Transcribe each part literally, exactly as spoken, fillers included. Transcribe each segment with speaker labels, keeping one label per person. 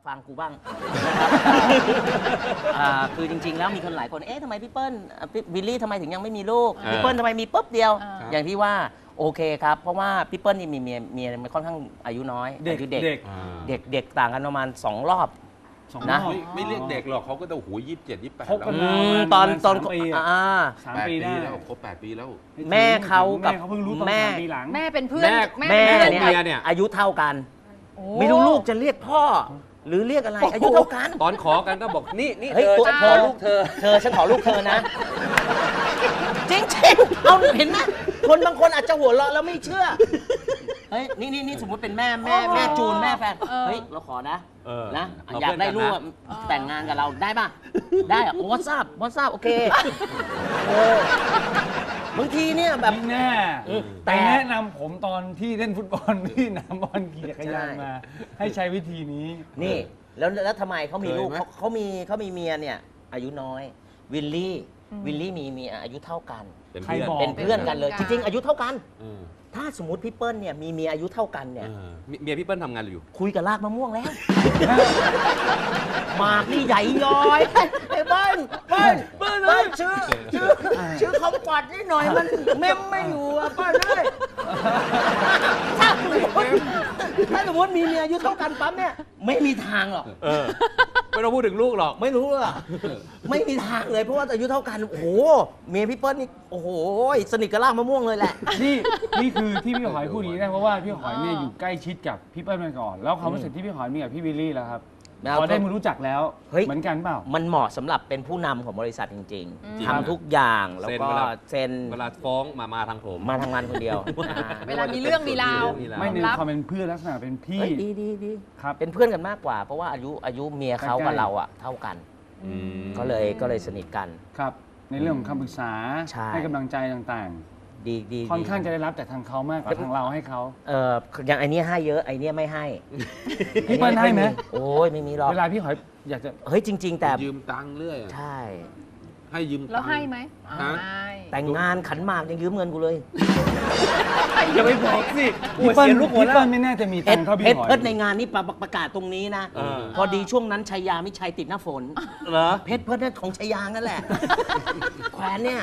Speaker 1: ฟังกูบ้างนะครับอ่าคือจริงๆแล้วมีคนหลายคนเอ๊ะทำไมพี่เปิ้ลอ่ะพี่วิลลี่ทำไมถึงยังไม่มีลูกพี่เปิ้ลทำไมมีปุ๊บเดียว อย่างที่ว่าโอเคครับเพราะว่าพี่เปิ้ลนี่มีเมียเมียมันค่อนข้างอายุน้อย
Speaker 2: เด็ก
Speaker 1: อายุเด็ก
Speaker 2: เด็ก
Speaker 1: เด็กเด็กต่างกันประมาณสองรอบ
Speaker 2: สอง
Speaker 1: นะ
Speaker 2: รอบ
Speaker 3: ไม่ไม่เรียกเด็กหรอกเขาก็ต้องหูยี่สิบเจ็ดยี่สิบแปด
Speaker 2: คบกัน
Speaker 3: แล้ว
Speaker 2: มา
Speaker 1: อืม
Speaker 2: ประมาณ
Speaker 1: ตอนตอน
Speaker 2: สามปีอะ
Speaker 1: อ่า
Speaker 2: สาม
Speaker 3: แปด
Speaker 2: ปี
Speaker 3: ปี
Speaker 2: ได้
Speaker 3: แล้วครบแปดปีแล้ว
Speaker 1: แม่เขากับ
Speaker 2: แม่เขาเพิ่งรู้ตอน
Speaker 1: แม่
Speaker 2: สามปีหลัง
Speaker 4: แม่เป็นเพื่อน
Speaker 3: แม่
Speaker 1: แม่
Speaker 4: เป็น
Speaker 1: เนี่
Speaker 4: เพื่อน
Speaker 3: เมียเนี่ย
Speaker 1: อายุเท่ากัน
Speaker 4: โอ้
Speaker 1: ไม่รู้ลูกจะเรียกพ่อ หรือเรียกอะไรอายุเท่ากัน
Speaker 3: ตอนขอกันก็บอกนี่นี่
Speaker 1: เฮ้ย
Speaker 3: เธอ
Speaker 1: ตัว
Speaker 3: ฉันขอลูกเธอ
Speaker 1: เธอฉันขอลูกเธอนะ จริงจริงๆเอาเห็นไหมคนบางคนอาจจะหัวเราะแล้วไม่เชื่อเฮ้ยนี่นี่นี่สมมติเป็นแม่แม่แม่จูนแม่แฟนเฮ้ยเราขอนะ
Speaker 3: เออ
Speaker 1: นะ
Speaker 3: เรา
Speaker 1: อยากได้ลูก
Speaker 3: เพื่อนกัน
Speaker 1: อะแต่งงานกับเราได้ป่ะ ได้อะวอทซับวอทซับโอเคเออบางทีเนี่ยแบบ
Speaker 2: ไม่แน่
Speaker 1: อืม
Speaker 2: แต่
Speaker 1: แต่
Speaker 2: แนะนำผมตอนที่เล่นฟุตบอล ที่สนามบอลขี่จักรยาน
Speaker 1: ใช่
Speaker 2: มา ให้ใช้วิธีนี้
Speaker 1: นี่แล้วแล้วทำไมเขามีลูก
Speaker 3: เคยไหม
Speaker 1: เขาเขามีเขามีเมียเนี่ย อายุน้อย วิลลี่วิลลี่มีเมียอายุเท่ากัน
Speaker 3: เป็น
Speaker 2: ใคร
Speaker 3: เพื่อน
Speaker 2: บอก
Speaker 1: เป็นเพื่อนกันเลย จริง ๆ อายุเท่ากัน
Speaker 3: เออ
Speaker 1: ถ้าสมมติพี่เปิ้ลเนี่ยมีเมียอายุเท่ากันเนี่ย
Speaker 3: เออเมียพี่เปิ้ลทำงานอยู่
Speaker 1: คุยกับลากมะม่วงแล้ว หมากนี่ใหญ่ย้อยไอ้เบิ้ลเบิ้ลเบิ้ลเบิ้ลชื่อชื่อชื่อเขาปัดนิดหน่อยมันเมมไม่อยู่อ่ะเปิ้ลเลยถ้าสมมติถ้าสมมติมีเมียอายุเท่ากันปั๊บเนี่ยไม่มีทางหรอก
Speaker 3: เออ ไม่ต้องพูดถึงลูกหรอก
Speaker 1: ไม่รู้หรอกไม่มีทางเลยเพราะว่าอายุเท่ากันโอ้โหเมียพี่เปิ้ลนี่โอ้โหสนิทกับลากมะม่วงเลยแหละ
Speaker 2: นี่นี่คือที่พี่หอยพูดอย่างนี้นะเพราะว่าพี่หอยเนี่ยอยู่ใกล้ชิดกับพี่เปิ้ลมาก่อน แล้วความรู้สึกที่พี่หอยมีกับพี่วิลลี่แล้วครับ
Speaker 1: แล้ว
Speaker 2: พอได้มารู้จักแล้ว
Speaker 1: เฮ้ย
Speaker 2: เหมือนกันเปล่า
Speaker 1: มันเหมาะสำหรับเป็นผู้นำของบริษัทจริง
Speaker 3: จริง
Speaker 1: ๆทำทุกอย่างแล้วก็
Speaker 3: เซ็นเวลา
Speaker 1: เซ็น
Speaker 3: เวลาฟ้องมามาทางผม
Speaker 1: มาทำงานคนเดียวอ่า
Speaker 4: เวลามีเรื่องมีราว
Speaker 3: มีราว
Speaker 2: ไม่ใน
Speaker 4: รับ
Speaker 2: ความเป็นเพื่อนลักษณะเป็นพี่
Speaker 1: เฮ้ยดีดีดี
Speaker 2: ครับ
Speaker 1: เป็นเพื่อนกันมากกว่า เพราะว่าอายุอายุเมียเขา
Speaker 2: ใกล้
Speaker 1: กับ
Speaker 2: ๆ
Speaker 1: เราอะเท่ากัน
Speaker 3: อืม
Speaker 1: ก็เลยก็เลยสนิทกัน
Speaker 2: ครับ ในเรื่องของคำปรึกษา
Speaker 1: ใช่
Speaker 2: ให้กำลังใจต่าง
Speaker 1: ดีดี
Speaker 2: ๆ ค่อนข้าง
Speaker 1: ดี
Speaker 2: จะได้รับจากทางเขามากกว่าทางเราให้เขา
Speaker 1: เอออย่างไอเนี้ยให้เยอะไอเนี้ยไม่ให้
Speaker 2: พี่เปิ้ลให้ไหม
Speaker 1: โอ้ยไม่มีหรอก
Speaker 2: เวลาพี่หอยอยากจะ
Speaker 1: เฮ้ยจริง ๆ แต่
Speaker 3: ยืมตังค์เรื่อยอะ
Speaker 1: ใช่
Speaker 3: ให้ยืมตังค์
Speaker 4: แล้วให้ไหม
Speaker 3: ฮะ
Speaker 4: ให้
Speaker 1: แต่งงานขันหมากยังยืมเงินกูเลย
Speaker 3: อย่าไปบอกสิ
Speaker 2: พี่เปิ้ลพี่เปิ้ลไม่น่าจะมี
Speaker 1: เพ
Speaker 2: ตั
Speaker 1: ช
Speaker 2: ง
Speaker 1: ร
Speaker 2: ค์เท่าพี่
Speaker 1: เพชร
Speaker 2: หอย
Speaker 1: เพชรในงานนี่ประประกาศตรงนี้นะ
Speaker 3: เออ
Speaker 1: พอดีช่วงนั้นชัยยามิชัยติดหน้าฝน
Speaker 3: เหรอ
Speaker 1: เพชรเพชรนั่นของชัยยานั่นแหละ แขวนเนี่ย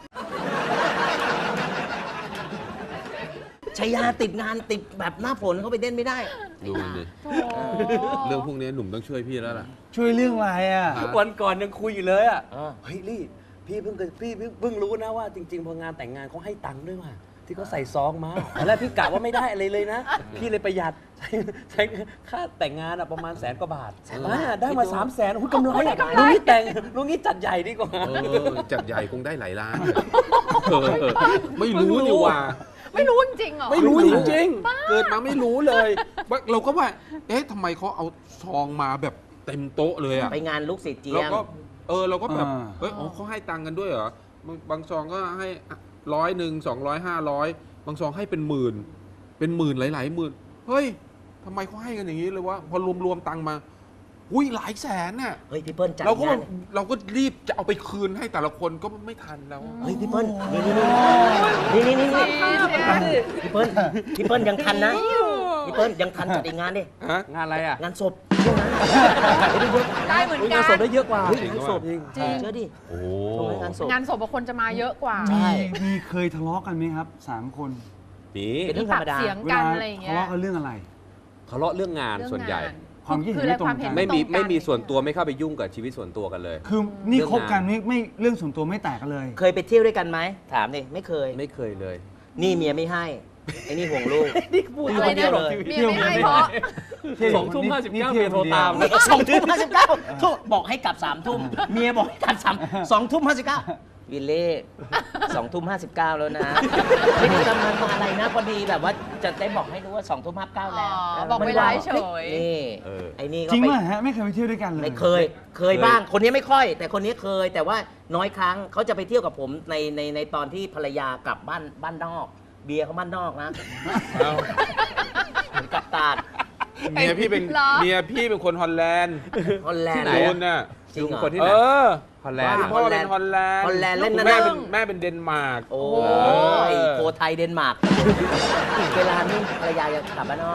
Speaker 1: ชัยยาติดงานติดแบบหน้าฝนเขาไปเล่นไม่ได้
Speaker 3: ดูมันดิ
Speaker 4: โถ
Speaker 3: เรื่องพวกนี้หนุ่มต้องช่วยพี่แล้วล่ะ
Speaker 2: ช่วยเรื่องอะไรอ่ะ
Speaker 5: วันก่อนยังคุยอยู่เลยอ่ะ
Speaker 1: เออ
Speaker 5: เฮ้ยลี่ พี่เพิ่งเคยพี่เพิ่งเพิ่งรู้นะว่าจริงๆ พองานแต่งงานเขาให้ตังค์ด้วยว่ะที่เขาใส่ซองมาตอนแรกพี่กะว่าไม่ได้อะไรเลยนะ พี่เลยประหยัดใช้ใช้ค่าแต่งงานอะประมาณแสนกว่าบาทอ่าได้มาสามแสนโอ้ยกำไรอะลุงนี้แต่งลุงนี้จัดใหญ่ดีกว่า
Speaker 3: เออจัดใหญ่คงได้หลายล้านเออเออไม่รู้นี่ว่า
Speaker 4: ไม่รู้จริงๆเหรอ
Speaker 3: ไม่รู้จริงๆ เกิดมาไม่รู้เลยว่าเราก็ว่า เอ๊ะทำไมเขาเอาซองมาแบบเต็มโต๊ะเลยอะ
Speaker 1: ไปงานลูกศิษย์เจีย
Speaker 3: เรา
Speaker 1: ง
Speaker 3: ก็เออเราก็แบบ
Speaker 2: อ่า
Speaker 3: เอ้ยอ๋อเขาให้ตังค์กันด้วยเหรอบางบางซองก็ให้ร้อยหนึ่งสองร้อยห้าร้อยบางซองให้เป็นหมื่น เป็นหมื่นหลายๆหมื่น เฮ้ยทำไมเขาให้กันอย่างนี้เลยวะพอรวมๆตังค์มาอุ้ยหลายแสนน่ะ
Speaker 1: เฮ้ยพี่เปิ้ลจัด
Speaker 3: เราก็
Speaker 1: งาน
Speaker 3: เราก็รีบจะเอาไปคืนให้แต่ละคนก็ไม่ทันแล้ว
Speaker 1: เฮ้ยพี่เปิ้ลนี่นี่นี่นี่นี่นี่พี่เปิ้ลพี่เปิ้ลยังทันนะพี่เปิ้ลยังทันจัดอีกงานดิ
Speaker 3: ฮะ
Speaker 5: งานอะไรอ่ะ
Speaker 1: งานศพช่วงนั้นไม่ได้เยอะ
Speaker 4: ได้เหมือน
Speaker 5: อุ๊ย
Speaker 4: กั
Speaker 5: งาน
Speaker 4: น
Speaker 5: ศพได้เยอะกว่า
Speaker 1: เฮ้ยงานศพ
Speaker 5: จริง
Speaker 4: จริง
Speaker 1: เชื่อดิ
Speaker 3: โอ้
Speaker 1: ช่วงนั้นงานศพ
Speaker 4: งานศพบางคนจะมาเยอะกว่า
Speaker 1: ใช่
Speaker 2: มีมีเคยทะเลาะกันไหมครับสามคน
Speaker 3: นี่
Speaker 1: เป็นเรื่
Speaker 4: มี
Speaker 1: องธร
Speaker 4: ปาร ก
Speaker 1: มดา
Speaker 4: เสียง
Speaker 2: เว
Speaker 4: กั
Speaker 2: ลาน
Speaker 4: อะไรอย่างเงี้
Speaker 2: ทะ
Speaker 4: ย
Speaker 2: เลาะกันเรื่องอะไร
Speaker 5: ทะเลาะเรื่องงานส่วนใหญ่
Speaker 2: ความคิดเห็น
Speaker 4: คือ
Speaker 2: ไม่ตรง
Speaker 4: ความเห็
Speaker 2: กัน
Speaker 4: น
Speaker 5: ไม่มี
Speaker 4: ตรงกัน
Speaker 5: ไม่มีส่วนตัวไม่เข้าไปยุ่งกับชีวิตส่วนตัวกันเลย
Speaker 2: คือนี่
Speaker 5: เรื่อง
Speaker 2: คบกัน
Speaker 5: งาน
Speaker 2: ไม่ไม่เรื่องส่วนตัวไม่แตกกันเลย
Speaker 1: เคยไปเที่ยวด้วยกันไหมถามดิไม่เคย
Speaker 5: ไม่เคยเลย
Speaker 1: นี่เมียไม่ให้ไอ้นี่ห่วงลูก
Speaker 5: นี่พูด
Speaker 1: อยู่
Speaker 4: อะไร
Speaker 1: คนเดี
Speaker 4: นะ
Speaker 1: ยวเลย
Speaker 4: เมียไม่ให้เพราะ
Speaker 5: สองทุ่มห้าสิบเก้า
Speaker 2: นี่
Speaker 5: เมียโทรตาม
Speaker 2: นี่
Speaker 1: สองทุ่มห้าสิบเก้าโทษบอกให้กลับสามทุ่มเมียบอกให้กลับสามสองทุ่มห้าสิบเก้าวิลเล่สองทุ่มห้าสิบเก้าแล้วนะไม่ได้กำลังมาอะไรนะพอดีแบบว่าจะได้บอกให้รู้ว่าสองทุ่มห้าเก้าแล้ว
Speaker 4: อ๋อบอกเวลาเฉย
Speaker 1: นี่
Speaker 3: เออ
Speaker 1: ไอ้นี่ก็
Speaker 2: จริง
Speaker 1: ไป
Speaker 2: ป่ะฮะไม่เคยไปเที่ยวด้วยกันเลย
Speaker 1: ไม่เคย เคยบ้าง คนนี้ไม่ค่อย แต่คนนี้เคย แต่ว่าน้อยครั้งเขาจะไปเที่ยวกับผมในในในตอนที่ภรรยากลับบ้านบ้านนอก เบียร์เขาบ้านนอกนะ
Speaker 3: เอา
Speaker 1: ผมกลับตาด
Speaker 3: เมียพี่เป็น
Speaker 4: เหรอ
Speaker 3: เมียพี่เป็นคนฮอลแลนด์
Speaker 1: ฮอลแลนด์
Speaker 3: ที่ไหนอะน่ะ
Speaker 1: จริงเหรอ
Speaker 5: คนที่
Speaker 3: เอ
Speaker 5: ไหน
Speaker 3: อ
Speaker 5: ฮอลแลนด์
Speaker 3: คุณพ่อเป็นฮอลแลนด์
Speaker 1: ฮอลแลนด์เล่นนะ
Speaker 3: แม่เป็นแม่เป็นเดนมาร์ก
Speaker 1: โอ้
Speaker 4: โห
Speaker 1: ยโคไทยเดนมาร์ก เวลานี่ภรรยาจะกลับบ้านนอก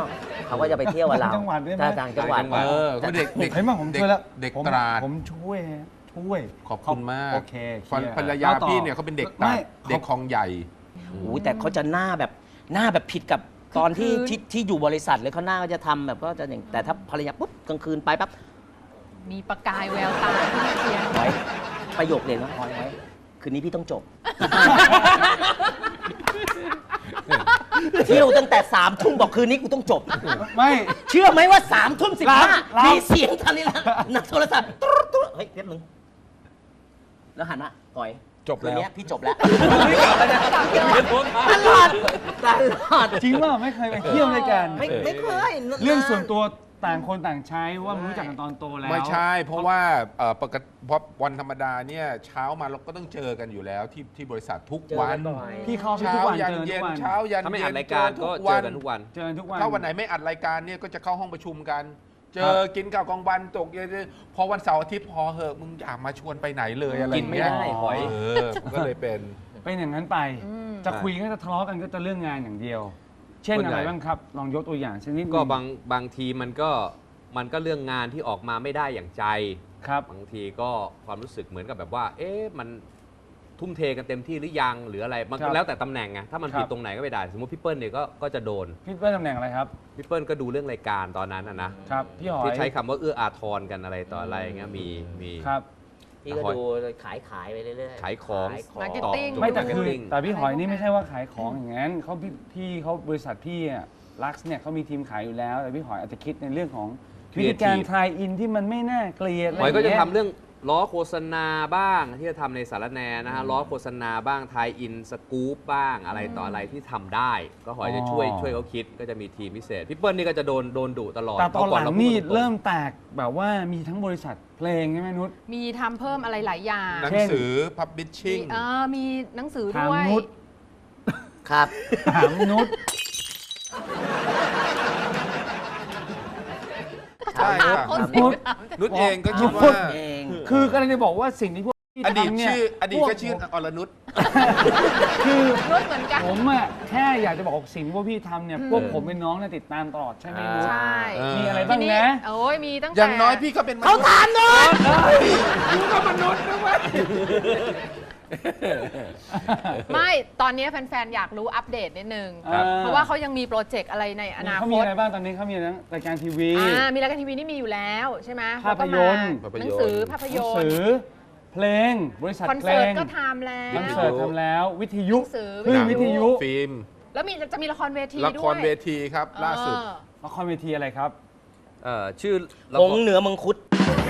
Speaker 1: เขาก็จะไปเที่ยวกับเรา
Speaker 2: ต่างจังหวัดด้วยไหม
Speaker 1: ถ้าต่างจังหวัด
Speaker 3: เออเขาเด็กเด็ก
Speaker 2: เห็นไหมผมช่วยแล้ว
Speaker 3: เด็ก
Speaker 2: ผม
Speaker 3: ตราด
Speaker 2: ผมช่วยช่วย
Speaker 3: ขอบคุณมาก
Speaker 2: โอเคเคลียร์
Speaker 3: ภรรยา
Speaker 2: แล้วต่อ
Speaker 3: พี่เนี่ยเขาเป็นเด็กตรา
Speaker 2: ไม่
Speaker 3: ดเด็กคลองใหญ่
Speaker 1: โอ้โหแต่เขาจะหน้าแบบหน้าแบบผิดกับตอนที่ที่ที่อยู่บริษัทเลยเขาหน้าก็จะทำแบบก็จะอย่างแต่ถ้าภรรยาปุ๊บกลางคืนไปปั๊บ
Speaker 4: มีประกายแววตาที่เชียร์
Speaker 1: ไว้ประโยคเด่นว่าพอยไว้คืนนี้พี่ต้องจบ เที่ยวตั้งแต่สามทุ่มบอกคืนนี้กูต้องจบ
Speaker 2: ไม่
Speaker 1: เชื่อไหมว่าสามทุ่มสิบห้า
Speaker 2: รับ
Speaker 1: มีเสียงทันทีละนักโทรศัพท์ตุ๊ดตุ๊ดเฮ้ยเรียบนึงแล้วหันมาปล่อย
Speaker 3: จบแล้ว
Speaker 1: คืนนี้พี่จบแล้ว
Speaker 5: ไม่กลับแล้วนะ
Speaker 1: ตลอดตลอด
Speaker 2: จริงว่าไม่เคยไปเที่ยวด้วยกัน
Speaker 1: ไม่ไม่เคย
Speaker 2: เรื่องส่วนตัวต่างคนต่างใช้ว่ามันรู้จักกันตอนโตแล้ว
Speaker 3: ไม่ใช่ เพราะว่าเอ่อปกติเพราะวันธรรมดาเนี่ยเช้ามาเราก็ต้องเจอกันอยู่แล้วที่ที่บริษัททุก
Speaker 1: เจอ
Speaker 3: วั
Speaker 1: กัน นบ่อย
Speaker 2: พี่เข้าไปทุ
Speaker 3: เช้าก
Speaker 2: วัน
Speaker 3: ยัน
Speaker 2: เจอทุ
Speaker 3: เย็
Speaker 2: ก
Speaker 3: น
Speaker 2: วัน
Speaker 3: เช้ายัน
Speaker 5: ถ้าไม่
Speaker 3: เย็
Speaker 5: อัด
Speaker 3: น
Speaker 5: รายการก็เจอกันทุกวัน
Speaker 2: เจอทุกวัน
Speaker 3: ถ้าวันไหนไม่อัดรายการเนี่ยก็จะเข้าห้องประชุมกัน เจ
Speaker 2: ครั
Speaker 3: อบ กินข้าวกลางวันตกเย็นพอวันเสาร์อาทิตย์พอเหอะมึงอย่ามาชวนไปไหนเลยอะไร
Speaker 5: กินไม่
Speaker 3: เงี้ย
Speaker 5: ได้หอย
Speaker 3: เออมันก็เลยเป็น
Speaker 2: เป็นอย่างนั้นไป จะคุยก็จะทะเลาะกันก็จะเรื่องงานอย่างเดียว เช่น
Speaker 5: ส่วน
Speaker 2: อะ
Speaker 5: ใหญ่
Speaker 2: ไรบ้างครับ ลองยกตัวอย่างเช่นนิดนึ
Speaker 5: ก็บางบางทีมันก็มันก็เรื่องงานที่ออกมาไม่ได้อย่างใจ
Speaker 2: ครับ
Speaker 5: บางทีก็ความรู้สึกเหมือนกับแบบว่า เอ๊ะมันทุ่มเทกันเต็มที่หรือยังหรืออะไรมัน
Speaker 2: ครั
Speaker 5: ก็
Speaker 2: บ
Speaker 5: แล้วแต่ตำแหน่งไงถ้ามัน
Speaker 2: ครับ
Speaker 5: ผิดตรงไหนก็ไม่ได้ สมมติพี่เปิ้ลเนี่ยก็ก็จะโดน
Speaker 2: พี่เปิ้ลตำแหน่งอะไรครับ
Speaker 5: พี่เปิ้ลก็ดูเรื่องรายการตอนนั้นนะนะครับ
Speaker 2: พี่หอย
Speaker 5: ที่ใช้คำว่าเอื้ออาทรกันอะไรต่ออะไรอย่างเงี้ยมีมี
Speaker 2: ครับ
Speaker 1: พี่ก็ดูขายขายไปเรื่อยๆ
Speaker 5: ขายของ
Speaker 1: ขายของ
Speaker 4: Marketing
Speaker 5: ตอบ
Speaker 2: ไม่แต่คือ
Speaker 5: marketing
Speaker 2: แต่พี่หอยนี่ไม่ใช่ว่าขายของอย่างนั้นเขาพี่พี่เขาบริษัทพี่อะลักซ์เนี่ยเขามีทีมขายอยู่แล้ว แต่พี่หอยอาจจะคิดในเรื่องของวิธีการ
Speaker 5: Creative
Speaker 2: ทายอินที่มันไม่น่าเกลียด
Speaker 5: หอยก็จะ
Speaker 2: ไร
Speaker 5: ทำ
Speaker 2: ย่างเงี้ย
Speaker 5: เรื่องล้อโฆษณาบ้างที่จะทำในสารแนนะฮะล้อโฆษณาบ้างทายอินสกู๊ปบ้างอะไรต่ออะไรที่ทำได้ ก็หอยจะช่วย
Speaker 2: อ๋อ
Speaker 5: ช่วยเขาคิดก็จะมีทีมพิเศษพี่เปิ้ลนี่ก็จะโดนโดนดุตลอด
Speaker 2: แต่ตอนหลัง
Speaker 5: พก่า
Speaker 2: นี่
Speaker 5: ราพูดตงๆ
Speaker 2: เริ่มแตกแบบว่ามีทั้งบริษัทเพลงใช่ไหมนุช
Speaker 4: มีทำเพิ่มอะไรหลายอย่าง
Speaker 3: หนังสือ publishing
Speaker 4: มีเออมีหนังสือ
Speaker 2: ถาม
Speaker 4: ด้วย
Speaker 2: นุช
Speaker 1: ครับ
Speaker 2: ถามนุช
Speaker 3: ใช่ค่ะ
Speaker 4: คน
Speaker 2: นุ
Speaker 4: สิ
Speaker 2: ช
Speaker 3: นุชเองก็คิด
Speaker 2: นุ
Speaker 3: ว่า
Speaker 2: ช
Speaker 1: เอง
Speaker 2: คือกำลังจะบอกว่าสิ่งที่พวกพี่
Speaker 3: อดีต
Speaker 2: ทำเนี่ย
Speaker 3: ชื่ออดีตก็ชื่อ
Speaker 2: พว
Speaker 3: อรนุช
Speaker 2: คือ
Speaker 4: นุชเหมือนกัน
Speaker 2: ผมอะแค่อยากจะบอกว่าสิ่งที่พวกพี่ทำเนี่ยพวกผมเป็นน้องเนี่ยติดตามตลอดใช่ไหมนุช
Speaker 4: ใช่
Speaker 3: เออ
Speaker 2: มีอะไร
Speaker 4: ที
Speaker 2: บ้าง
Speaker 4: นี้
Speaker 2: นะ
Speaker 4: โอ้ยมีตั้งแต่
Speaker 3: อย่างน้อยพี่ก็เป็นม
Speaker 1: เขา
Speaker 3: นุษย์
Speaker 1: ถามหน่อย
Speaker 3: กูก็มนุษย์นะเว้ย
Speaker 4: ไม่ตอนนี้แฟนๆ อยากรู้อัปเดตนิดนึง
Speaker 2: ครับ
Speaker 4: เพราะว่าเขายังมีโปรเจกต์อะไรในอนา
Speaker 2: เขา
Speaker 4: ค
Speaker 2: มี
Speaker 4: ต
Speaker 2: อะไรบ้างตอนนี้เขามีทั้งรายการทีวี
Speaker 4: อ่ามีรายการทีวีนี่มีอยู่แล้วใช่ไหม
Speaker 2: ภาพยนตร์
Speaker 4: แล้วก็มาหนังสือภาพ
Speaker 2: ห
Speaker 4: ย
Speaker 2: นัง
Speaker 4: น
Speaker 2: สื
Speaker 4: ตร์
Speaker 2: อ เพลง บริษัท
Speaker 4: คอน
Speaker 2: เพล
Speaker 4: เสิร์ต
Speaker 2: ง
Speaker 4: ก็ทำแล้ว
Speaker 2: คอนเสิร์ตทำแล้ว วิทยุ
Speaker 4: หนังสือ
Speaker 2: คลื่นวิทยุ
Speaker 3: ฟิล์ม
Speaker 4: แล้วมีจะมีละครเวที
Speaker 3: ละ
Speaker 4: ด้วย
Speaker 3: ครเวทีครับ ล่าสุด
Speaker 4: เออ
Speaker 2: ละครเวทีอะไรครับ
Speaker 5: เอ่อชื่อละ
Speaker 1: ห
Speaker 5: ค
Speaker 1: ง
Speaker 5: ร
Speaker 1: เหนือมังคุด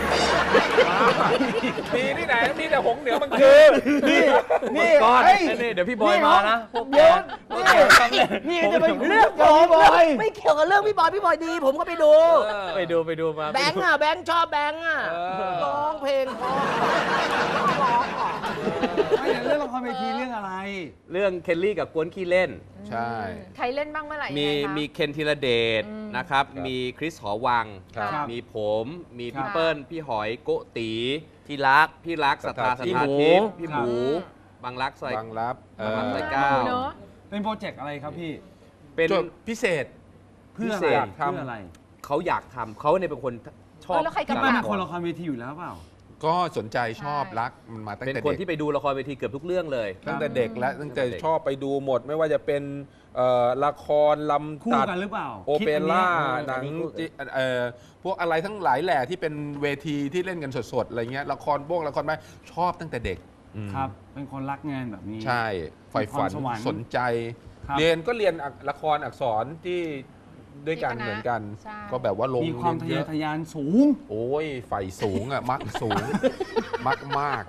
Speaker 3: มีที่ไหน มีแต่หงเหนือมัน
Speaker 2: คือนี่นี่
Speaker 5: ก้อน
Speaker 2: เฮ้ย
Speaker 5: นี่เดี๋ยวพี่บอยมานะพวก
Speaker 2: เดี๋ยวนี่นี่จะไปเรื่องของพี่บอย
Speaker 1: ไม่เกี่ยวกับเรื่องพี่บอยพี่บอยดี ผมก็ไปดู
Speaker 5: ไปดูไปดูมา
Speaker 1: แบงค์อ่ะแบงค์ชอบแบงค์อ่ะร้องเพลงเพราะร้องอ่ะ
Speaker 2: ไม่แต่เรื่องละครเวทีเรื่องอะไร
Speaker 5: เรื่องเคลลี่กับกวนขี้เล่น
Speaker 3: ใช่
Speaker 4: ใครเล่นบ้างเมื่อไหร่
Speaker 5: มี
Speaker 4: ยังไงคะ
Speaker 5: มีเคนธีรเดช
Speaker 4: อืม
Speaker 5: นะครับ
Speaker 3: ครับ
Speaker 5: มีคริสหอวัง
Speaker 3: ครับ
Speaker 2: ครับ
Speaker 5: มีผม มี
Speaker 2: ครั
Speaker 5: พี่
Speaker 2: บ
Speaker 5: เปิ้ล พี่หอยโกตี
Speaker 1: ที่รัก
Speaker 5: พี่รักสัทธา
Speaker 3: สั
Speaker 5: สั
Speaker 3: ท
Speaker 5: ท
Speaker 3: ธา
Speaker 5: ธา
Speaker 1: ทิ
Speaker 5: ทิ
Speaker 1: พ
Speaker 5: พ
Speaker 1: ย์
Speaker 5: ย์พี่หมู บางรักใส่
Speaker 3: บางรับเออ
Speaker 5: บางรักใส่
Speaker 4: เก้าเนอะ
Speaker 2: เป็นโปรเจกต์อะไรครับพี่
Speaker 5: เป็น
Speaker 3: จดพิเศษ
Speaker 2: เพื่อ
Speaker 5: พิ
Speaker 2: อะ
Speaker 5: เศ
Speaker 2: ไร
Speaker 5: ษ
Speaker 2: เพื่ออะไร
Speaker 5: เขาอยากทำเขาเนี่ยเป็นคนชอบ
Speaker 4: เออแล้วใคร
Speaker 2: พี่
Speaker 4: กำ
Speaker 2: เปิ้ล
Speaker 4: กั
Speaker 2: เป็นคนละครเวทีอยู่แล้วเปล่า
Speaker 3: ก็สนใจชอบ
Speaker 4: ใช่
Speaker 3: รักมันมาตั้ง
Speaker 5: เป็น
Speaker 3: แต่
Speaker 5: คน
Speaker 3: เด็ก
Speaker 5: ที่ไปดูละครเวทีเกือบทุกเรื่องเลย
Speaker 3: ตั้งแต่เด็กแล้วตั้งแต่
Speaker 5: ตั้งแต่เด็ก
Speaker 3: ชอบไปดูหมด ไม่ว่าจะเป็นเอ่อละครลำ
Speaker 2: คู่
Speaker 3: ตัด
Speaker 2: กันหรือเปล่า
Speaker 3: โอเปร่า
Speaker 2: คิดอันเนี้ย
Speaker 3: หนังจิเอ่อพวกอะไรทั้งหลายแหล่ที่เป็นเวทีที่เล่นกันสดๆอะไรเงี้ยละครพวกละครไม้ชอบตั้งแต่เด็ก
Speaker 2: ครับ เป็นคนรักงานแบบนี้
Speaker 3: ใช่ใฝ่ฝัน
Speaker 2: มีความสวรรค์
Speaker 3: สนใจ
Speaker 2: ครับ
Speaker 3: เรียนก็เรียนอักละครอักษรที่ด้วยกัน
Speaker 4: ที่คณะ
Speaker 3: เหมือนกัน
Speaker 4: ใช่
Speaker 3: ก็แบบว่าลง
Speaker 2: มีความทะ
Speaker 3: เรี
Speaker 2: เย
Speaker 3: ย
Speaker 2: อน
Speaker 3: เย
Speaker 2: ทะ
Speaker 3: อะ
Speaker 2: ยานสูง
Speaker 3: โอ้ยไฟสูงอ่ะ มักสูง มักมาก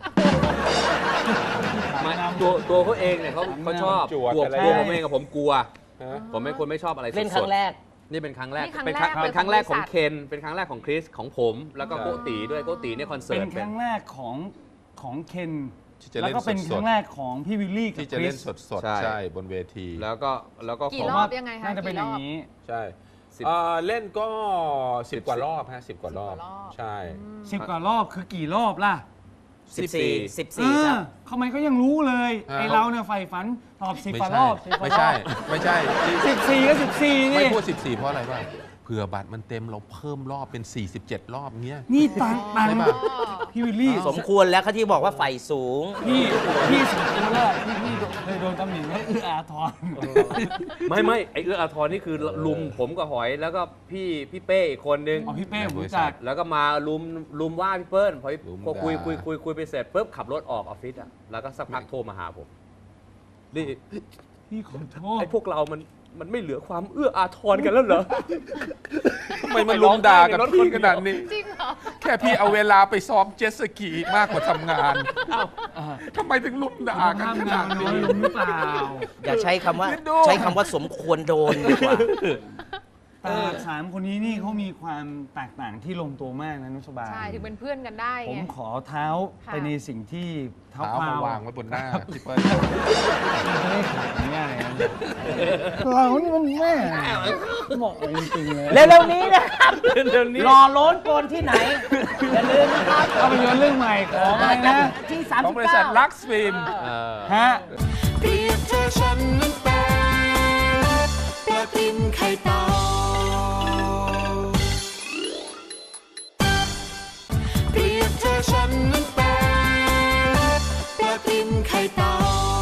Speaker 5: ไม่ตัวตัวเขาเองเนี่ยเขาเขาชอบ
Speaker 3: จวด
Speaker 5: ตัว
Speaker 3: อะไร
Speaker 5: ตัวผมเองกับผมกลัว
Speaker 3: ฮะ
Speaker 5: ผมเป็นคนไม่ชอบอะไรสดๆ
Speaker 1: เล่นครั้งแรก
Speaker 5: นี่เป็นครั้งแรก
Speaker 4: นี่ครั้ง
Speaker 5: เป็น
Speaker 4: แรก
Speaker 5: เป็นครั้งแรกของ
Speaker 4: บริษัท
Speaker 5: เคน เป็นครั้งแรกของคริส ของผม แล้วก็โกตีด้วย โกตีเนี่ยคอนเสิ
Speaker 2: เป็
Speaker 5: ร์ต
Speaker 2: นครั้งแรกของของเคน
Speaker 3: ที่จะ
Speaker 2: แล้ว
Speaker 3: เล่น
Speaker 2: ก็เป็น
Speaker 3: สดๆ
Speaker 2: ครั้งแรกของพี่วิลลี่กับ
Speaker 3: ที่จะ
Speaker 2: คริ
Speaker 3: เล่
Speaker 2: ส
Speaker 3: นสด
Speaker 5: ใช่
Speaker 3: ๆ ใช่บนเวที
Speaker 5: แล้วก็แล้วก็
Speaker 4: กี่
Speaker 5: ขอ
Speaker 4: รอบยังไงคะ
Speaker 2: น่าจะเป็นอย่างนี้
Speaker 3: ใช่
Speaker 5: สิบ
Speaker 3: เอ่อเล่นก็สิบกว่ารอบฮะสิบกว่ารอบ
Speaker 4: สิบกว่ารอบ
Speaker 3: ใช่
Speaker 2: สิบกว่ารอบคือกี่รอบล่ะ
Speaker 1: สิบสี่สิบ
Speaker 2: เอ
Speaker 1: สี่ค
Speaker 2: อ
Speaker 1: รับ
Speaker 2: ทำไมเขายังรู้เลย
Speaker 3: อ่า
Speaker 2: ไอเราเนี่ยใฝ่ฝันตอบสิบ
Speaker 3: ไม่
Speaker 2: กว่า
Speaker 3: ใช่
Speaker 2: รอบสิบกว่า
Speaker 3: ไม่
Speaker 2: รอ
Speaker 3: ใช่
Speaker 2: บ
Speaker 3: ไม่ใช่ที่
Speaker 2: สิบสี่ก็สิบสี่
Speaker 3: ไม่
Speaker 2: นี่
Speaker 3: พูดสิบสี่เพราะอะไรบ้างผื่อบัตรมันเต็มเราเพิ่มรอบเป็น สี่สิบเจ็ด รอบเงี้ย
Speaker 2: นี่ตังตัง
Speaker 3: ใช่ปะ
Speaker 2: พี่วิลลี่
Speaker 5: สมควรแล้วเขาที่บอกว่าไฟสูง
Speaker 2: พี่พี่สมควรแล้วที่พี่เคยโดนตำหนิว่าเอื้ออาทร
Speaker 5: ไม่ไม่ไอเอื้ออาทรนี่คือลุมผมกับหอยแล้วก็พี่พี่เป้อีกคนนึง
Speaker 2: อ๋อพี่เป้ผมรู้จัก
Speaker 5: แล้วก็มาลุมลุมว่าพี่เปิ้ลพอ
Speaker 3: ลุม
Speaker 5: พอคุย
Speaker 3: ด่า
Speaker 5: คุยคุยคุยไปเสร็จปุ๊บขับรถออกออฟฟิศอ่ะแล้วก็สักพักโทรมาหาผมนี่
Speaker 2: พี่ขอโทษ
Speaker 5: ไอพวกเรามันมันไม่เหลือความเอื้ออาทรกันแล้วเหรอ
Speaker 3: ทำไมมันลุมด่ากับพี่ขนาดนี้
Speaker 4: จริงเหรอ
Speaker 3: แค่พี่เอาเวลาไปซ้อมเจ็ตสกีมากกว่าทำงานทำไมถึงลุมด่ากัน
Speaker 2: ทำ
Speaker 3: ข
Speaker 2: งา
Speaker 3: นาด
Speaker 2: นน้อ
Speaker 3: นี้
Speaker 2: ยลงหรือเปล่า
Speaker 5: อย่าใช้คำว่า
Speaker 3: คิดดู
Speaker 5: ใช้คำว่าสมควรโดนดีกว่า
Speaker 2: แต่สามคนนี้นี่เขามีความแตกต่างที่ลงตัวมากนะนุชบา
Speaker 4: ใช่ ถึงเป็นเพื่อนกันได้
Speaker 2: ผม
Speaker 4: ไง
Speaker 2: ขอเท้า
Speaker 4: ค่ะ
Speaker 2: ไปในสิ่งที่เท้า
Speaker 3: เท้า
Speaker 2: เปล่าม
Speaker 3: าวางไว้บนหน้าพี่เปิ้ล
Speaker 2: ไม่ได้ขัดง่ายๆนะเรานี่มันแม่เหมาะจริงๆเลย
Speaker 1: เร็วๆนี้นะครับรอโล้นโกนที่ไหน อย่าลืมนะครับ
Speaker 2: เอาไปยนเรื่องใหม่ของอะไรนะ
Speaker 1: ที่สาม
Speaker 3: ของ
Speaker 1: สิบบ
Speaker 3: ริษั
Speaker 1: เก้า
Speaker 3: ทลักซ์ฟิล์ม
Speaker 2: ฮะ
Speaker 6: เปรียบเธอฉันนั้นเป็นปลาติมไข่เต่าเปรียบเธอฉันนั้นเป็นปลาติมไข่เต่า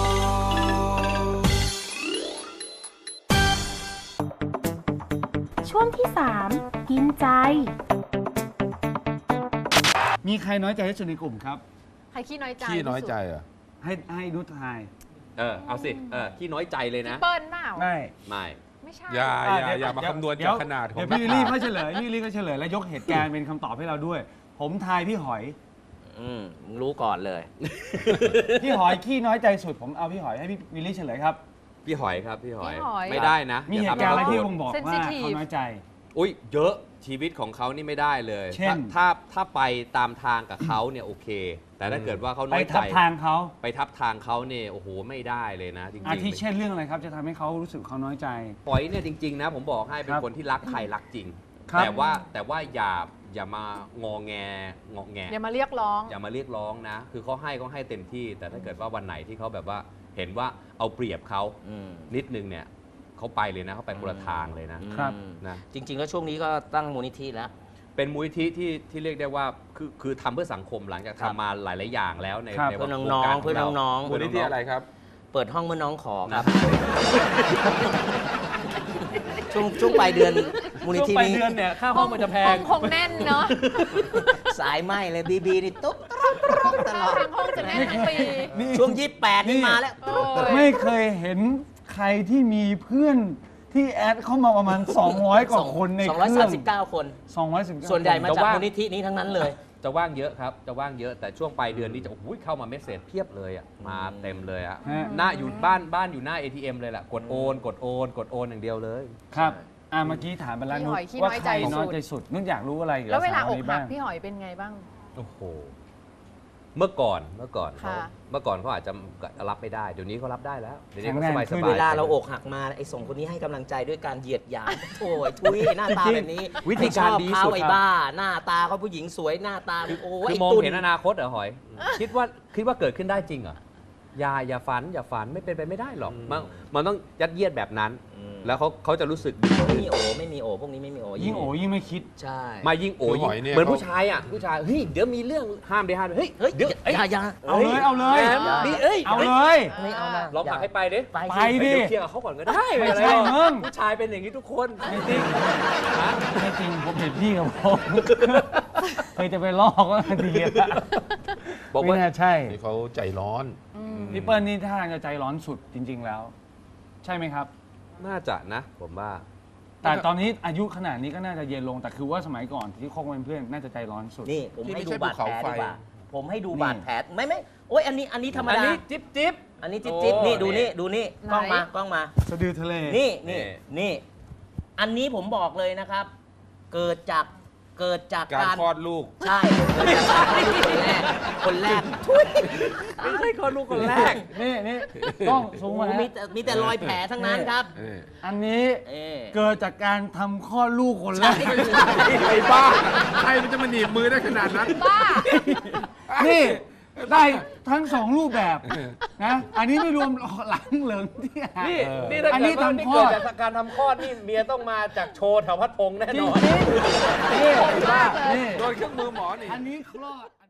Speaker 7: ช่วงที่สามกินใจ
Speaker 2: มีใครน้อยใจที่สุดในกลุ่มครับ
Speaker 4: ใครขี้น้อยใจ
Speaker 3: ขี้น้อยใจเหรอ
Speaker 2: ให้ให้นุชทาย
Speaker 5: เออเอาสิเออขี้น้อยใจเลย
Speaker 4: ที่
Speaker 5: นะ
Speaker 4: สุดพี่เปิ้ลเปล่า
Speaker 2: ไม่
Speaker 5: ไม่
Speaker 4: ไม่ใช่
Speaker 3: อย่าอย่าอย่ามาคำนวณจากขนาดของ
Speaker 2: เดี๋ยวพี่วิลลี่ก็เฉลยพี่วิลลี่ก็เฉลยแล้วยกเหตุการณ์เป็นคำตอบให้เราด้วย ผมทายพี่หอย
Speaker 5: อืมรู้ก่อนเลย
Speaker 2: พี่หอยขี้น้อยใจสุดผมเอาพี่หอยให้พี่วิลลี่เฉลยครับ
Speaker 5: พี่หอยครับพี่หอย
Speaker 4: พี่หอย
Speaker 5: ไม่ได้นะ
Speaker 2: มี
Speaker 5: ย่
Speaker 2: เห
Speaker 5: ทำ
Speaker 2: ตุการณ์อะไร
Speaker 5: ให้
Speaker 2: ที่
Speaker 5: พูด
Speaker 2: บ่งบอกว่า
Speaker 4: Sensitive
Speaker 2: เขาน้อยใจ
Speaker 5: อุ้ยเยอะชีวิตของเขานี่ไม่ได้เลย
Speaker 2: เช่น
Speaker 5: ถ้าถ้าถ้าไปตามทางกับเขาเนี่ยโอเค แต่ถ้าเกิดว่าเขา
Speaker 2: ไป
Speaker 5: น้อยใจ
Speaker 2: ทับทางเขา
Speaker 5: ไปทับทางเขาเนี่ยโอ้โหไม่ได้เลยนะ จริงๆ
Speaker 2: อาทิเช่นเรื่องอะไรครับ จะทำให้เขารู้สึกเขาน้อยใจ
Speaker 5: หอยเนี่ยจริงๆนะผมบอกให้เป็
Speaker 2: คน รับ
Speaker 5: คนที่รักใครรักจริง
Speaker 2: ครับ
Speaker 5: แต่ว่าแต่ว่าอย่าอย่ามางอแงงอแง
Speaker 4: อย่ามาเรียกร้อง
Speaker 5: อย่ามาเรียกร้องนะ คือเขาให้เขาให้เต็มที่ แต่ถ้าเกิดว่าวันไหนที่เขาแบบว่าเห็นว่าเอาเปรียบเขานิดนึงเนี่ยเขาไปเลยนะเขาไปคนละทางเลยนะครับ นะ
Speaker 8: จริงๆ แล้วช่วงนี้ก็ตั้งมูลนิธิแล้ว
Speaker 5: เป็นมูลนิธิที่ที่เรียกได้ว่าคือคือทำเพื่อสังคมหลังจากทำมาหลาย ๆ อย่างแล้วใน
Speaker 2: ครับ
Speaker 5: ใน
Speaker 8: เพื่อ
Speaker 5: ว
Speaker 8: น้อง
Speaker 5: การ
Speaker 8: ๆ เพื่อน้องๆ
Speaker 3: มูลนิธิอะไรครับ
Speaker 8: เปิดห้องเมื่อน้องขอค
Speaker 5: นะ
Speaker 8: รับ ช่วงช่วงปลายเดือนมูลนิธินี้
Speaker 5: เนี่ยค่าห้องมันจะแพ
Speaker 4: ห้อง งคงแน่นเนาะ
Speaker 8: สายไหมเลยบีบีนี่ตุ๊บตรบตรบตลอด
Speaker 4: ทางห้องจะแน่นทั้งปี
Speaker 8: ช่วงยี่สิบแปดนี่มาแล้ว
Speaker 4: โอ้ย
Speaker 2: ไม่เคยเห็นใครที่มีเพื่อนที่แอดเข้ามาประมาณ สองร้อย กว่าคนใน
Speaker 8: สอง
Speaker 2: เค
Speaker 8: ร้อย
Speaker 2: รื่
Speaker 8: สา
Speaker 2: อ
Speaker 8: ม
Speaker 2: ง
Speaker 8: สิบเก้าคน
Speaker 2: สองร้อยสิบเก้า
Speaker 8: ส่วนใหญ่มา
Speaker 5: แต่
Speaker 8: จาก
Speaker 5: ว่า
Speaker 8: มูลนิธินี้ทั้งนั้นเลย
Speaker 5: จะว่างเยอะครับ จะว่างเยอะแต่ช่วงปลายเดือนนี้จะโอ้โหเข้ามาเมสเซจเพียบเลยอ่ะมาเต็มเลยอ่ะ
Speaker 2: ฮะ
Speaker 5: หน้าอยู่บ้านบ้านอยู่หน้า เอ ที เอ็ม เลยแหละกดโอน กดโอน กดโอนอย่างเดียวเลย
Speaker 2: ครับอ่าเมื่อกี้ถามไปแล้ว
Speaker 4: พี่
Speaker 2: นุ
Speaker 4: ห
Speaker 2: ช
Speaker 4: อยขี้
Speaker 2: ว่า
Speaker 4: น้อย
Speaker 2: ใคร
Speaker 4: ใจสุด
Speaker 2: น้อยใจสุดนุชอยากรู้อะไรกี่ย
Speaker 4: แล้วเวลา
Speaker 2: ส
Speaker 4: อก
Speaker 2: นี้
Speaker 4: หั
Speaker 2: บ้าก ง
Speaker 4: พี่หอยเป็นไงบ้าง
Speaker 5: โอ้โห เมื่อก่อนเมื่อก่อนเขา
Speaker 4: ค่ะ
Speaker 5: เมื่อก่อนเขาอาจจะรับไม่ได้ เดี๋ยวนี้เขารับได้แล้วเดี๋ยวนี้เขา
Speaker 2: แข็
Speaker 5: ส
Speaker 2: งแรง
Speaker 5: บาย
Speaker 2: ขึ้
Speaker 5: ส
Speaker 2: น
Speaker 5: บาย
Speaker 8: เวลาเราอกหักมาไอ้ส่งคนนี้ให้กำลังใจด้วยการเหยียดหยามโอ้ยทุยหน้าตาแบบนี้
Speaker 5: วิธีการ
Speaker 8: ไม่ชอบ
Speaker 5: ดี
Speaker 8: เขา
Speaker 5: สุด
Speaker 8: ไอ้
Speaker 5: ครับ
Speaker 8: บ้า หน้าตาเขาผู้หญิงสวยหน้าตาโอ้ย
Speaker 5: คือ
Speaker 8: ไอ้
Speaker 5: มอง
Speaker 8: ตุ่น
Speaker 5: เห็นอนาคตเหรอหอย คิดว่าคิดว่าเกิดขึ้นได้จริงเหรออย่าอย่าฝันอย่าฝันไม่เป็นไปไม่ได้หรอกมันมันต้องยัดเยียดแบบนั้น แล้วเขาเขาจะรู้สึกดี
Speaker 8: ไม่มีโอไม่มีโอพวกนี้ไม่มีโอ
Speaker 2: ยิ่งโอยิ่งไม่คิด
Speaker 8: ใช่
Speaker 5: มายิ่งโอ้
Speaker 3: คือหอยเนี่ย
Speaker 5: เหมือน
Speaker 3: เขา
Speaker 5: ผู้ชายอ่ะผู้ชายเฮ้ยเดี๋ยวมีเรื่องห้ามได้ห้ามเฮ้ย
Speaker 8: เฮ้ย
Speaker 5: เดี๋ยว
Speaker 8: อย่าอย่า
Speaker 2: เอาเลยเอาเลย
Speaker 5: แหมดีเอ้ย
Speaker 2: เอาเลย
Speaker 8: ไม่เอานะ
Speaker 5: ลองผลักให้ไปดิ
Speaker 8: ไป
Speaker 2: ไป
Speaker 8: สิ
Speaker 2: ดิ
Speaker 5: เดี๋ยวเคลียร์กับเขาก่อนก็ได้
Speaker 2: ไม่
Speaker 5: เป็นร
Speaker 2: ใช่
Speaker 5: หรอก
Speaker 2: มึง
Speaker 5: ผู้ชายเป็นอย่างนี้ทุกคน
Speaker 2: ไม่จริง
Speaker 5: ฮะ
Speaker 2: ไม่จริงผมเห็นพี่กับผมเคยจะไปลอกก็ดีแล้ว
Speaker 5: บอก
Speaker 2: ไม่
Speaker 5: ว่า
Speaker 2: น่าใช่
Speaker 3: นี่เขาใจร้อน
Speaker 2: พี่เปิ้ลนี่ท่าทางจะใจร้อนสุดจริง ๆ แล้ว ใช่ไหมครับ
Speaker 5: น่าจะนะ ผมว่า
Speaker 2: แต่ตอนนี้อายุขนาดนี้ก็น่าจะเย็นลงแต่คือว่าสมัยก่อนที่คบกันเป็นเพื่อนน่าจะใจร้อนสุด
Speaker 8: นี่ผม
Speaker 3: ที่
Speaker 8: ให้
Speaker 3: ไม่
Speaker 8: ดู
Speaker 3: ใช่
Speaker 8: บาดแผล
Speaker 3: ภูเขาไฟ
Speaker 8: ดีกว่าผมให้ดู
Speaker 2: นี่
Speaker 8: บาดแผลไม่ไม่โอ้ยอันนี้อันนี้ธรรม
Speaker 5: อัน
Speaker 8: ดา
Speaker 5: นี้จิ๊บจิ๊บ
Speaker 8: อันนี้จิ๊บจิ๊บ
Speaker 5: โอ้
Speaker 8: นี่ดูนี่
Speaker 5: นี่
Speaker 8: ดูนี่
Speaker 4: ไหน
Speaker 8: กล้องมากล้องมา
Speaker 2: สะดือทะเล
Speaker 8: นี่นี่
Speaker 5: นี่
Speaker 8: นี่ อันนี้ผมบอกเลยนะครับ เกิดจากเกิดจาก
Speaker 3: การ
Speaker 8: การ
Speaker 3: คลอดลูก
Speaker 8: ใช่เกิดจากการคลอดลูกคนแรกคนแรกทุย
Speaker 5: ไม่ใช่คนลูกคนแรก
Speaker 2: นี่นี่ต้องสูง
Speaker 8: โอ้
Speaker 2: มา
Speaker 8: โห
Speaker 2: นะ
Speaker 8: มีแต่มีแต่รอยแผลทั้งนั้นครับ
Speaker 2: อันนี้
Speaker 8: เออ
Speaker 2: เกิดจากการทำคลอดลูกคนแรก
Speaker 3: ไอ้บ้า ใครมันจะมาหนีบมือได้ขนาดนั้น
Speaker 4: บ้า
Speaker 2: นี่ได้ทั้งสองรูปแบบนะ อันนี้ไม่รวมหลังเหลิงที่หา
Speaker 5: นี่
Speaker 2: เออ
Speaker 5: นี่ถ้า
Speaker 2: อัน
Speaker 5: เกิ
Speaker 2: นี้
Speaker 5: ดว่า
Speaker 2: ทำ
Speaker 5: นี่
Speaker 2: คลอ
Speaker 5: เกิด
Speaker 2: ด
Speaker 5: จากการทำคลอดนี่เมียต้องมาจากโชว์แถวพัดพงษ์แน่
Speaker 2: จ
Speaker 5: น
Speaker 2: ริง
Speaker 5: อน
Speaker 2: ๆนี่เห็นป่ะนี่
Speaker 3: โดนเครื่องมือหมอนี่
Speaker 2: อันนี้คลอด